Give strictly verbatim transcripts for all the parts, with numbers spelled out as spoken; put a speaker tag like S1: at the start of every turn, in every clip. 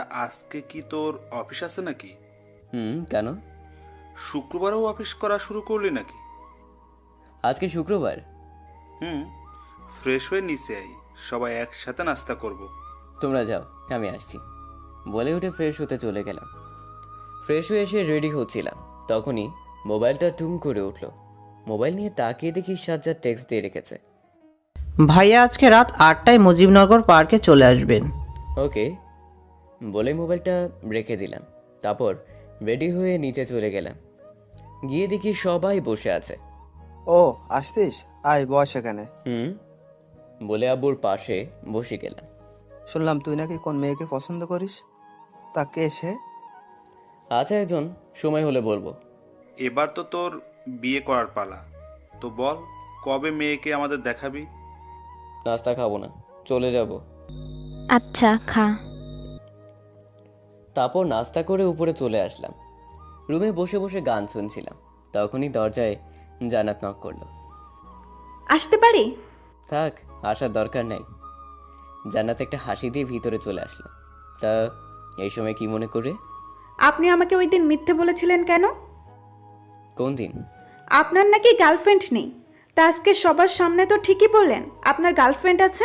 S1: আজকে কি তোর অফিস আছে নাকি?
S2: হুম, কেন?
S1: শুক্রবারেও অফিস করা শুরু করলি নাকি?
S2: আজকে শুক্রবার।
S1: হুম। ফ্রেশ হয়ে নিচে আই, সবাই একসাথে নাস্তা করব।
S2: তোমরা যাও, আমি আসছি বলে উঠে ফ্রেশ হতে চলে গেলাম। ফ্রেশ হয়ে এসে রেডি হচ্ছিলাম, তখনই মোবাইলটা টুম করে উঠলো। মোবাইল নিয়ে তাকিয়ে দেখি সাজ্জাদ টেক্সট দিয়ে রেখেছে।
S3: ভাইয়া আজকে রাত আটটায় মুজিবনগর পার্কে চলে আসবেন।
S2: ওকে বলে মোবাইলটা রেখে দিলাম। তারপর রেডি হয়ে নিচে চলে গেলাম। গিয়ে দেখি সবাই বসে আছে।
S4: ও আসছিস, আয় বস এখানে।
S2: হুম বলে আব্বুর পাশে বসে গেলাম।
S4: শুনলাম তুই নাকি কোন মেয়েকে পছন্দ করিস, তা কে সে?
S2: আছে একজন, সময় হলে বলবো।
S1: এবার তো তোর বিয়ে করার পালা, তো বল কবে মেয়েকে আমাদের দেখাবি?
S2: নাস্তা খাবো না, চলে যাব।
S5: আচ্ছা খা।
S2: তারপর নাস্তা করে উপরে চলে আসলাম। রুমে বসে বসে গান শুনছিলাম, তখনই দরজায় জান্নাত নক করলো।
S6: আসতে পারি?
S2: থাক, আসার দরকার নাই। জান্নাত একটা হাসি দিয়ে ভিতরে চলে আসলো। তা এই সময় কি মনে করে?
S6: আপনি আমাকে ওই দিন মিথ্যে বলেছিলেন কেন?
S2: কোন দিন?
S6: আপনার নাকি গার্লফ্রেন্ড নেই, তা আজকে সবার সামনে তো ঠিকই বললেন আপনার গার্লফ্রেন্ড আছে।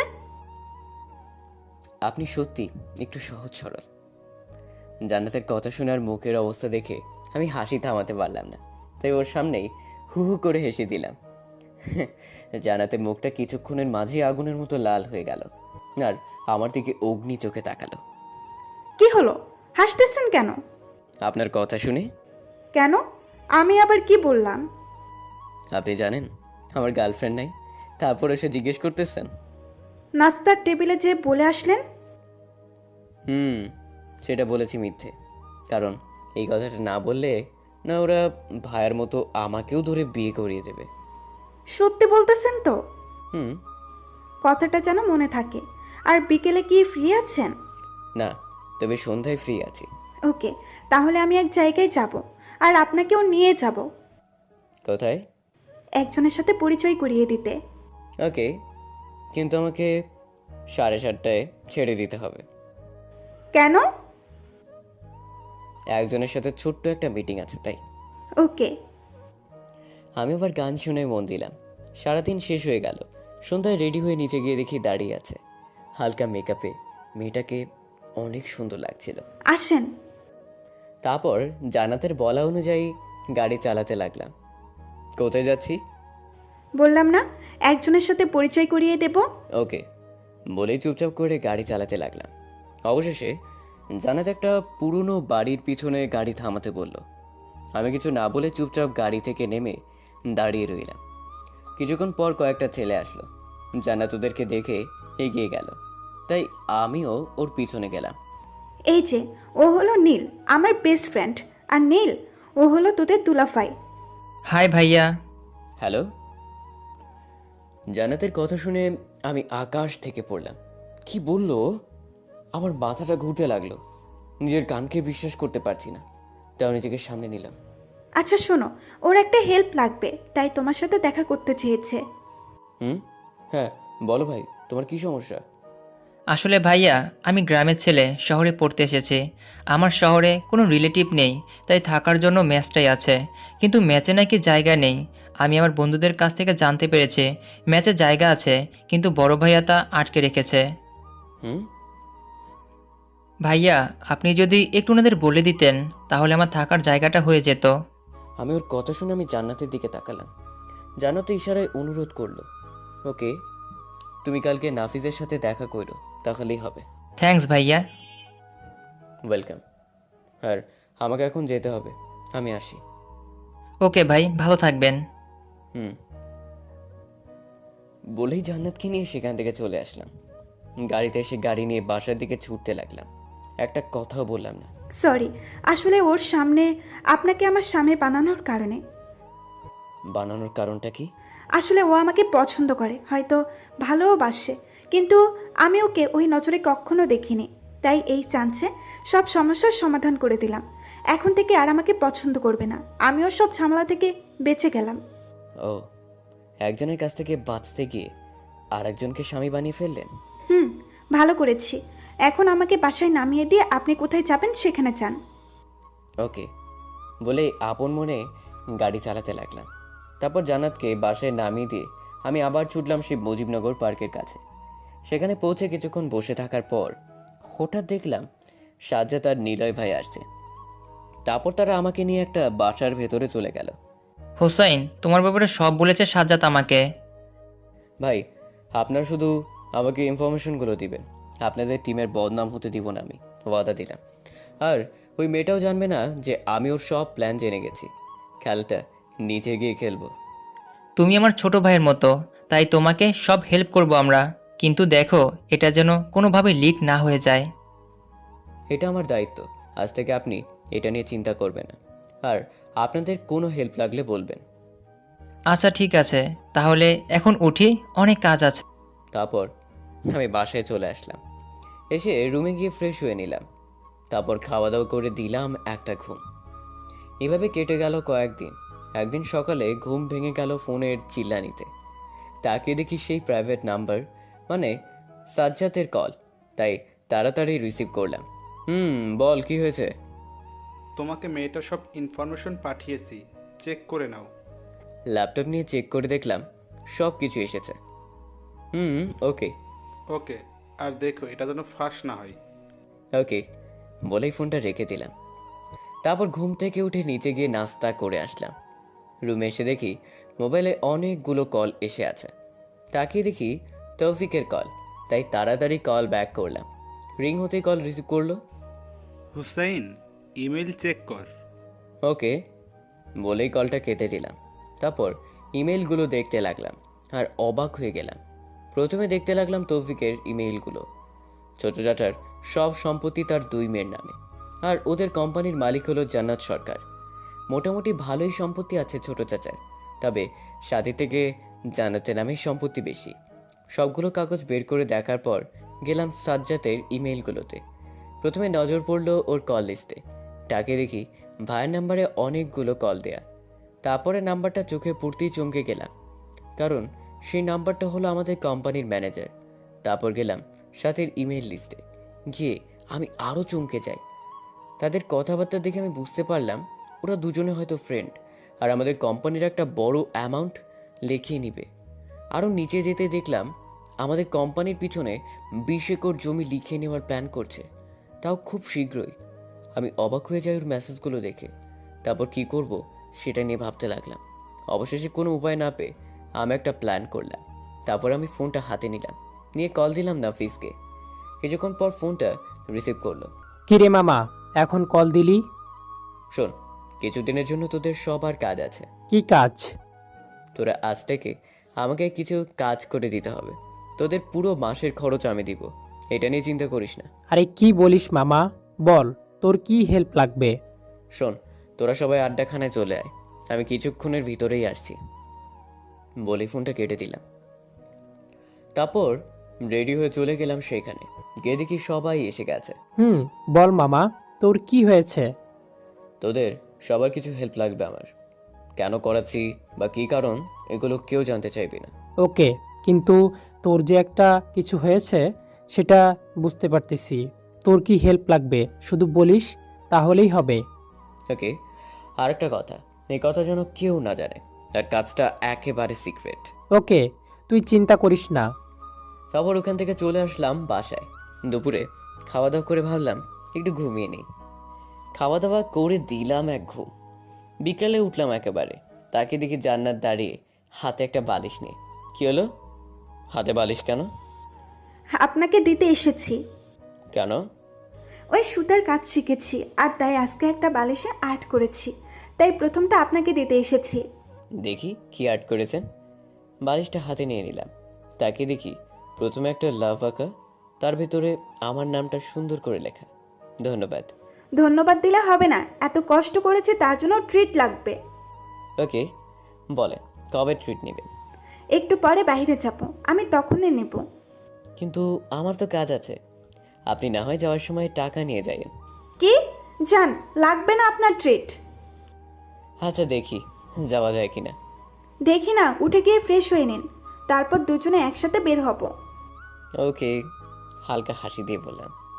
S2: আপনি সত্যি একটু সহজ সরল। জান্নাতের কথা শোনার মুখের অবস্থা দেখে আমি হাসি থামাতে পারলাম না, তাই ওর সামনেই হু হু করে হেসে দিলাম। জান্নাতের মুখটা কিছুক্ষণের মাঝে আগুনের মতো লাল হয়ে গেল, আর আমার দিকে অগ্নি চোখে তাকালো।
S6: কি হলো, হাসতেছেন কেন?
S2: আপনার কথা শুনে।
S6: কেন, আমি আবার কি বললাম?
S2: আপনি জানেন আমার গার্লফ্রেন্ড নাই, তারপর এসে জিজ্ঞেস করতেছেন।
S6: নাস্তার টেবিলে যে বলে আসলেন।
S2: হুম সেটা বলেছি মিথ্যে, কারণ এই কথাটা না বললে না ওরা ভাইয়ের মতো আমাকেও ধরে বিয়ে করিয়ে দেবে।
S6: সত্যি বলতেছেন তো?
S2: হুম।
S6: কথাটা যেন মনে থাকে। আর বিকেলে কি ফ্রি আছেন?
S2: না, তবে সন্ধ্যায় ফ্রি আছি।
S6: ওকে, তাহলে আমি এক জায়গায় যাব, আর আপনাকেও নিয়ে যাব
S2: কোথায়?
S6: একজনের সাথে পরিচয় করিয়ে দিতে।
S2: ওকে, কিন্তু আমাকে সাড়ে সাতটায় ছেড়ে দিতে হবে।
S6: কেন?
S2: একজনের সাথে ছোট্ট একটা মিটিং আছে তাই।
S6: ওকে।
S2: আমি আবার গান শুনে মন দিলাম। সারাদিন শেষ হয়ে গেল। সন্ধ্যায় রেডি হয়ে নিচে গিয়ে দেখি দাঁড়িয়ে আছে হালকা মেকআপে মেয়েটাকে। অনেক সুন্দর লাগছিল।
S6: আসেন।
S2: তারপর জান্নাতের বলা অনুযায়ী গাড়ি চালাতে লাগলাম। কোথায় যাচ্ছি?
S6: বললাম না, একজনের সাথে পরিচয় করিয়ে দেব।
S2: ওকে বলেই চুপচাপ করে গাড়ি চালাতে লাগলাম। অবশেষে জান্নাত একটা পুরনো বাড়ির পিছনে গাড়ি থামাতে বলল। আমি কিছু না বলে চুপচাপ গাড়ি থেকে নেমে দাঁড়িয়ে রইলাম। কিছুক্ষণ পর কয়েকটা ছেলে আসলো। জান্নাত ওদেরকে দেখে এগিয়ে গেল, তাই আমিও ওর পিছনে গেলাম।
S6: এই যে, ও হলো নীল, আমার বেস্ট ফ্রেন্ড। আর নীল, ও হলো তোদের দুলাফাই।
S3: হাই ভাইয়া।
S2: হ্যালো। জান্নাতের কথা শুনে আমি আকাশ থেকে পড়লাম। কি বললো? আমার মাথাটা ঘুরতে লাগলো। নিজের কানকে বিশ্বাস করতে পারছি না, তাও নিজেকে সামনে নিলাম।
S6: আচ্ছা শোনো, ওর একটা হেল্প লাগবে, তাই তোমার সাথে দেখা করতে চেয়েছে।
S2: হুম, হ্যাঁ বলো ভাই, তোমার কি সমস্যা?
S7: আসলে ভাইয়া, আমি গ্রামের ছেলে, শহরে পড়তে এসেছি। আমার শহরে কোনো রিলেটিভ নেই, তাই থাকার জন্য ম্যাচটাই আছে। কিন্তু ম্যাচে নাকি জায়গা নেই। আমি আমার বন্ধুদের কাছ থেকে জানতে পেরেছি ম্যাচে জায়গা আছে, কিন্তু বড় ভাইয়া তা আটকে রেখেছে।
S2: হুম।
S7: ভাইয়া, আপনি যদি একটু ওনাদের বলে দিতেন তাহলে আমার থাকার জায়গাটা হয়ে যেত।
S2: আমি ওর কথা শুনে আমি জান্নাতের দিকে তাকালাম। জান্নাত ইশারায় অনুরোধ করলো, ওকে তুমি কালকে নাফিজের সাথে দেখা করো, তাহলেই হবে।
S7: থ্যাঙ্কস ভাইয়া।
S2: ওয়েলকাম। আর আমাকে এখন যেতে হবে, আমি আসি।
S7: ওকে ভাই, ভালো থাকবেন।
S2: হুম বলেই জান্নাতকে নিয়ে সেখান থেকে চলে আসলাম। গাড়িতে এসে গাড়ি নিয়ে বাসার দিকে ছুটতে লাগলাম। একটা কথাও বললাম না।
S6: সরি, আসলে ওর সামনে আপনাকে আমার স্বামী বানানোর কারণে।
S2: বানানোর কারণটা কি?
S6: আসলে ও আমাকে পছন্দ করে, হয়তো ভালোবাসে, কিন্তু আমি ওকে ওই নজরে কখনো দেখিনি। তাই এই চান্সে সব সমস্যার সমাধান করে দিলাম। এখন থেকে আর আমাকে পছন্দ করবে না। আমিও সব ঝামেলা থেকে বেঁচে গেলাম।
S2: ও, একজনের কাছ থেকে বাঁচতে গিয়ে আর একজনকে স্বামী বানিয়ে ফেললেন।
S6: হুম, ভালো করেছি। এখন আমাকে বাসায় নামিয়ে দিয়ে আপনি কোথায় যাবেন সেখানে যান।
S2: ওকে বলে আপন মনে গাড়ি চালাতে লাগলাম। তারপর জান্নাতকে বাসায় নামিয়ে দিয়ে আমি আবার ছুটলাম সেই মুজিবনগর পার্কের কাছে। সেখানে পৌঁছে কিছুক্ষণ বসে থাকার পর হঠাৎ দেখলাম সাজ্জাদ আর নিলয় ভাই আসছে। তারপর তারা আমাকে নিয়ে একটা বাসার ভেতরে চলে গেল।
S7: হোসাইন, তোমার ব্যাপারে সব বলেছে সাজ্জাদ আমাকে।
S2: ভাই আপনার শুধু আমাকে ইনফরমেশনগুলো দিবেন, আপনাদের টিমের বদনাম হতে দিব না, আমি ওয়াদা দিলাম। আর ওই মেয়েটাও জানবে না যে আমি ওর সব প্ল্যান জেনে গেছি। খেলাটা নিচে গিয়ে খেলবো।
S7: তুমি আমার ছোট ভাইয়ের মতো, তাই তোমাকে সব হেল্প করব আমরা, কিন্তু দেখো এটা যেন কোনোভাবে লিক না হয়ে যায়।
S2: এটা আমার দায়িত্ব, আজ থেকে আপনি এটা নিয়ে চিন্তা করবেন না। আর আপনাদের কোনো হেল্প লাগলে বলবেন।
S7: আচ্ছা ঠিক আছে, তাহলে এখন উঠি, অনেক কাজ আছে।
S2: তারপর আমি বাসায় চলে আসলাম। এসে রুমে গিয়ে ফ্রেশ হয়ে নিলাম। তারপর খাওয়া দাওয়া করে দিলাম একটা ঘুম। এভাবে কেটে গেল কয়েকদিন। একদিন সকালে ঘুম ভেঙে গেল ফোনের চিল্লানিতে। তাকে দেখি সেই প্রাইভেট নাম্বার, মানে সাজ্জাদের কল। তাই তাড়াতাড়ি রিসিভ করলাম। হুম বল, কি হয়েছে?
S1: তোমাকে মেয়েটা সব ইনফরমেশন পাঠিয়েছি, চেক করে নাও।
S2: ল্যাপটপ নিয়ে চেক করে দেখলাম সব কিছু এসেছে। হুম ওকে
S1: ওকে, আর দেখো এটা যেন ফাঁস না হয়।
S2: ওকে বলেই ফোনটা রেখে দিলাম। তারপর ঘুম থেকে উঠে নিচে গিয়ে নাস্তা করে আসলাম। রুমে এসে দেখি মোবাইলে অনেকগুলো কল এসে আছে। তাকিয়ে দেখি তৌফিকের কল, তাই তাড়াতাড়ি কল ব্যাক করলাম। রিং হতেই কল রিসিভ করলো।
S1: হুসাইন, ইমেল চেক কর।
S2: ওকে বলেই কলটা কেটে দিলাম। তারপর ইমেলগুলো দেখতে লাগলাম আর অবাক হয়ে গেলাম। প্রথমে দেখতে লাগলাম তৌফিকের ইমেইলগুলো। ছোট চাচার সব সম্পত্তি তার দুই মেয়ের নামে, আর ওদের কোম্পানির মালিক হলো জান্নাত সরকার। মোটামুটি ভালোই সম্পত্তি আছে ছোট চাচার, তবে সাথী থেকে জান্নাতের নামেই সম্পত্তি বেশি। সবগুলো কাগজ বের করে দেখার পর গেলাম সাজ্জাতের ইমেইলগুলোতে। প্রথমে নজর পড়ল ওর কল লিস্টে। তাকে দেখি ভাইয়ের নাম্বারে অনেকগুলো কল দেয়া। তারপরে নাম্বারটা চোখে পড়তেই চমকে গেলাম, কারণ সেই নাম্বারটা হলো আমাদের কোম্পানির ম্যানেজার। তারপর গেলাম সাথের ইমেল লিস্টে। গিয়ে আমি আরও চমকে যাই। তাদের কথাবার্তা দেখে আমি বুঝতে পারলাম ওরা দুজনে হয়তো ফ্রেন্ড, আর আমাদের কোম্পানির একটা বড় অ্যামাউন্ট লিখিয়ে নিবে। আরও নিচে যেতে দেখলাম আমাদের কোম্পানির পিছনে বিশ একর জমি লিখে নেওয়ার প্ল্যান করছে, তাও খুব শীঘ্রই। আমি অবাক হয়ে যাই ওর মেসেজগুলো দেখে। তারপর কি করব সেটা নিয়ে ভাবতে লাগলাম। অবশেষে কোনো উপায় না পেয়ে আমি একটা প্ল্যান করলাম। তারপর আমি ফোনটা হাতে নিলাম, নিয়ে কল দিলাম নাফিসকে। কিছুক্ষণ পর ফোনটা রিসিভ করলো।
S8: কিরে মামা, এখন কল দিলি?
S2: শোন, কিছুদিনের জন্য তোদের সবার কাজ আছে।
S8: কি কাজ?
S2: তোরা আজ থেকে আমাকে কিছু কাজ করে দিতে হবে। তোদের পুরো মাসের খরচ আমি দিব, এটা নিয়ে চিন্তা করিস না।
S8: আরে কি বলিস মামা, বল তোর কি হেল্প লাগবে?
S2: শোন, তোরা সবাই আড্ডাখানায় চলে আয়, আমি কিছুক্ষণের ভিতরেই আসছি। বলে ফোনটা কেটে দিলাম। তারপর রেডি হয়ে চলে গেলাম সেখানে। গিয়ে দেখি সবাই এসে গেছে।
S8: হুম বল মামা, তোর কি হয়েছে?
S2: তোদের সবার কিছু হেল্প লাগবে আমার। কেন করাচ্ছি বা কী কারণ, এগুলো কেউ জানতে চাইবি না।
S8: ওকে, কিন্তু তোর যে একটা কিছু হয়েছে সেটা বুঝতে পারতেছি। তোর কি হেল্প লাগবে শুধু বলিস, তাহলেই হবে।
S2: ওকে, আর একটা কথা, এই কথা যেন কেউ না জানে, আর কাজটা একেবারে সিক্রেট।
S8: ওকে, তুই চিন্তা করিস না।
S2: তারপর ওখান থেকে চলে আসলাম বাসায়। দুপুরে খাওয়া দাওয়া করে ভাবলাম একটু ঘুমিয়ে নিই। খাওয়া দাওয়া করে দিলাম এক ঘুম। বিকালে উঠলাম একেবারে, তাকে দেখি জান্নাত দাঁড়িয়ে হাতে একটা বালিশ নিয়ে। কি হলো, হাতে বালিশ কেন?
S6: আপনাকে দিতে এসেছি।
S2: কেন?
S6: ওই সুতার কাজ শিখেছি, আর তাই আজকে একটা বালিশে আর্ট করেছি, তাই প্রথমটা আপনাকে দিতে এসেছি।
S2: দেখি কি আর্ট করেছেন। বালিশটা হাতে নিয়ে নিলাম। তাকে দেখি প্রথমে একটা লাভ আঁকা, তার ভেতরে আমার নামটা সুন্দর করে লেখা। ধন্যবাদ।
S6: ধন্যবাদ দিলে হবে না, এত কষ্ট করেছে তার জন্য ট্রিট লাগবে।
S2: ওকে বলেন, কবে ট্রিট নেবেন?
S6: একটু পরে বাইরে যাব, আমি তখনই নেব।
S2: কিন্তু আমার তো কাজ আছে। আপনি না হয় যাওয়ার সময় টাকা নিয়ে যাবেন।
S6: কি? যান, লাগবে না আপনার ট্রিট।
S2: আচ্ছা দেখি যাওয়া যায় কিনা।
S6: দেখি না, উঠে গিয়ে ফ্রেশ হয়ে নিন, তারপর দুজনে একসাথে বের হব।
S2: ওকে, হালকা হাসি দিয়ে বললাম।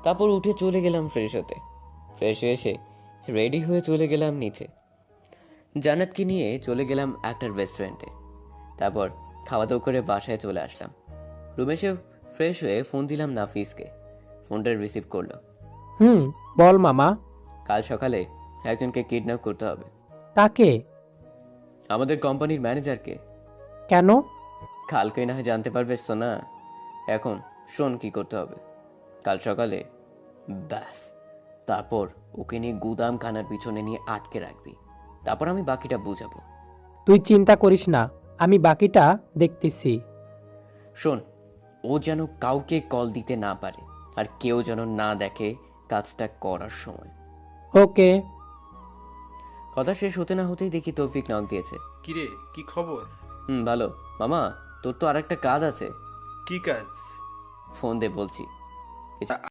S2: তারপর উঠে চলে গেলাম ফ্রেশ হতে। ফ্রেশ হয়ে এসে রেডি হয়ে চলে গেলাম নিচে। জান্নাতকে নিয়ে চলে গেলাম একটা রেস্টুরেন্টে। তারপর খাওয়া দাওয়া করে বাসায় চলে আসলাম। রুমে এসে ফ্রেশ হয়ে ফোন দিলাম নাফিসকে। ফোনটা রিসিভ করলো।
S8: হুম, বল মামা।
S2: কাল সকালে একজনকে কিডন্যাপ করতে হবে।
S8: তাকে?
S2: আমাদের কোম্পানির ম্যানেজারকে।
S8: কেন?
S2: কালকে না হয় জানতে পারবে সোনা। এখন শোন কি করতে হবে। কাল সকালে ব্যাস, তারপর ওকে নিয়ে গুদাম খানার পিছনে নিয়ে আটকে রাখবি। তারপর আমি বাকিটা বুঝাবো।
S8: তুই চিন্তা করিস না, আমি বাকিটা দেখতেছি।
S2: শোন, ও যেন কাউকে কল দিতে না পারে, আর কেউ যেন না দেখে কাজটা করার সময়।
S8: ওকে।
S2: কথা শেষ হতে না হতেই দেখি তৌফিক নক দিয়েছে।
S1: কিরে, কি খবর?
S2: হুম, ভালো মামা। তোর তো আর একটা কাজ আছে।
S1: কি কাজ?
S2: ফোন দে বলছি।